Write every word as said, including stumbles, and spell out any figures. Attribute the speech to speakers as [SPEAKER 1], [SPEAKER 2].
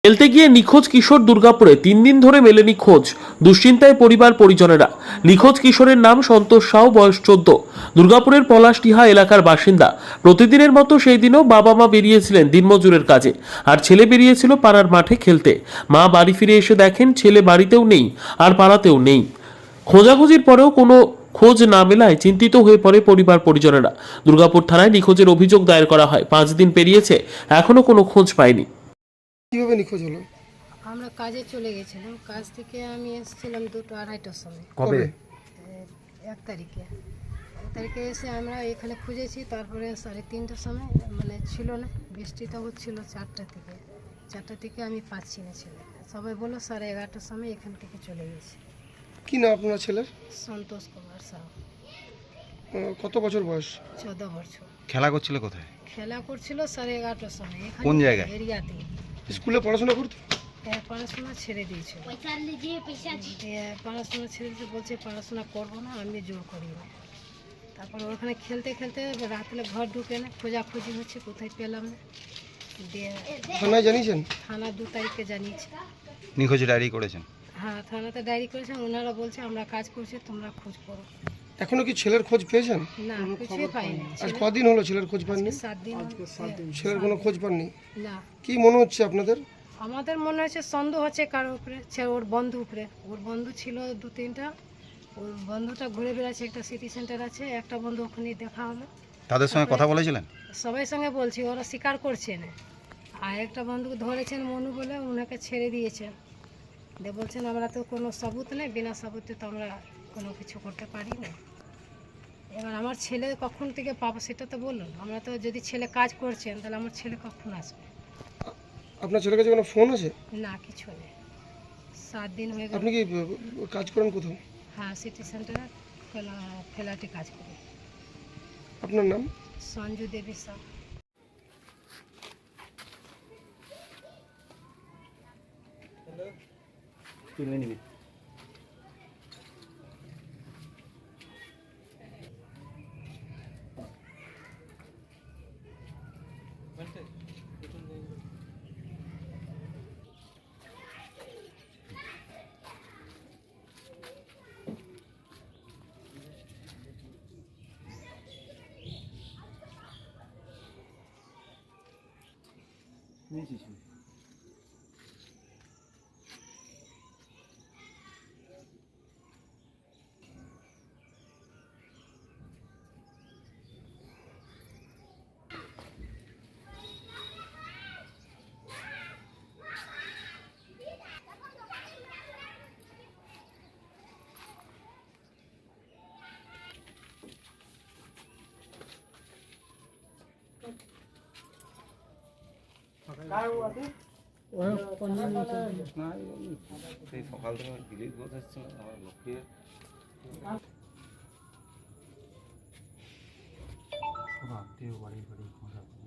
[SPEAKER 1] খেলতে গিয়ে নিখোঁজ কিশোর দুর্গাপুরে তিন দিন ধরে মেলেনি খোঁজ। দুশ্চিন্তায় পরিবার পরিজনেরা। নিখোঁজ কিশোরের নাম সন্তোষ সাউ, বয়স চোদ্দ। দুর্গাপুরের পলাশডিহা এলাকার বাসিন্দা। প্রতিদিনের মতো সেই দিনও বাবা মা বেরিয়েছিলেন দিনমজুরের কাজে, আর ছেলে বেরিয়েছিল পাড়ার মাঠে খেলতে। মা বাড়ি ফিরে এসে দেখেন ছেলে বাড়িতেও নেই আর পাড়াতেও নেই। খোঁজাখুঁজির পরেও কোনো খোঁজ না মেলায় চিন্তিত হয়ে পড়ে পরিবার পরিজনেরা। দুর্গাপুর থানায় নিখোঁজের অভিযোগ দায়ের করা হয়। পাঁচ দিন পেরিয়েছে, এখনো কোনো খোঁজ পায়নি।
[SPEAKER 2] কিভাবে নিখোঁজ হলো?
[SPEAKER 3] আমরা কাজে চলে গেছিলাম। কাজ থেকে আমি এসেছিলাম দুটো আড়াইটার সময়,
[SPEAKER 2] কবে?
[SPEAKER 3] এক তারিখে এক তারিখে এসে আমরা এখানে খুঁজেছি। তারপরে সাড়ে তিনটার সময় মানে ছিল না, বৃষ্টিটা হচ্ছিল। চারটা থেকে চারটা থেকে আমি পাচ্ছি না ছেলে। সবাই বললো সাড়ে এগারোটার সময় এখান থেকে চলে গেছি।
[SPEAKER 2] কি নাম আপনার ছেলের?
[SPEAKER 3] সন্তোষ কুমার সাউ,
[SPEAKER 2] আহ, কত বছর বয়স?
[SPEAKER 3] চোদ্দ বছর।
[SPEAKER 4] খেলা করছিল কোথায়?
[SPEAKER 3] খেলা করছিল সাড়ে এগারোটার সময় এখানে।
[SPEAKER 4] কোন জায়গায়?
[SPEAKER 3] এরিয়াতে।
[SPEAKER 2] স্কুলে পড়াশোনা করতো?
[SPEAKER 3] হ্যাঁ, পড়াশোনা ছেড়ে দিয়েছিল। দিয়ে পড়াশোনা ছেড়ে দিতে বলছে পড়াশোনা করবো না, আমি জোর করি না। তারপর ওখানে খেলতে খেলতে রাত্রে ঘর ঢুকে না, খোঁজাখুঁজি হচ্ছে, কোথায় পেলাম না। দিয়ে
[SPEAKER 2] থানায় জানিয়েছেন?
[SPEAKER 3] থানা দু তারিখে জানিয়েছে।
[SPEAKER 4] নিখোঁজ ডায়েরি করেছেন?
[SPEAKER 3] হ্যাঁ, থানাতে ডায়েরি করেছেন। ওনারা বলছে আমরা কাজ করছি, তোমরা খোঁজ করো।
[SPEAKER 2] এখনো কি ছেলের খোঁজ পেয়েছেন?
[SPEAKER 3] না, কিছুই পাইনি।
[SPEAKER 2] আজ কদিন হলো ছেলের খোঁজ পাননি?
[SPEAKER 3] সাত দিন হলো।
[SPEAKER 2] ছেলের কোনো খোঁজ পাননি?
[SPEAKER 3] না,
[SPEAKER 2] কি মনে হচ্ছে আপনাদের?
[SPEAKER 3] আমাদের মনে হচ্ছে সন্দেহ হচ্ছে কারোর উপরে, সে ওর বন্ধু উপরে। ওর বন্ধু ছিল দু তিনটা। ওর বন্ধুটা ঘুরে বেড়াচ্ছে, একটা সিটি সেন্টার আছে, একটা বন্ধু ওখানে দেখা হলো।
[SPEAKER 4] তাদের সঙ্গে কথা বলেছিলেন?
[SPEAKER 3] সবাই সঙ্গে বলছি, ওরা স্বীকার করছে না। আর একটা বন্ধু ধরেছেন মনু বলে, ওনাকে ছেড়ে দিয়েছেন। দিয়ে বলছেন আমরা তো কোনো সাবুত নেই, বিনা সাবুতে তো আমরা কোনো কিছু করতে পারি না। এবার আমার ছেলে কখন থেকে পাবো সেটা তো বলুন। আমরা তো যদি ছেলে কাজ করছেন তাহলে আমার ছেলে কখন আসবে?
[SPEAKER 2] আপনার ছেলের কাছে কোনো ফোন আছে?
[SPEAKER 3] না, কিছু নেই। সাত দিন হয়ে গেল।
[SPEAKER 2] আপনি কি আহ, কাজ করেন কোথাও?
[SPEAKER 3] হ্যাঁ, সিটি সেন্টারে ফেলা ফেলাটি কাজ করি।
[SPEAKER 2] আপনার নাম?
[SPEAKER 3] সঞ্জু দেবী সাউ।
[SPEAKER 4] সেই সকাল থেকে দিলীপ ঘোষ এসেছিল, আমার লক্ষ্মী আত্মীয় বাড়ি বাড়ি খোঁজা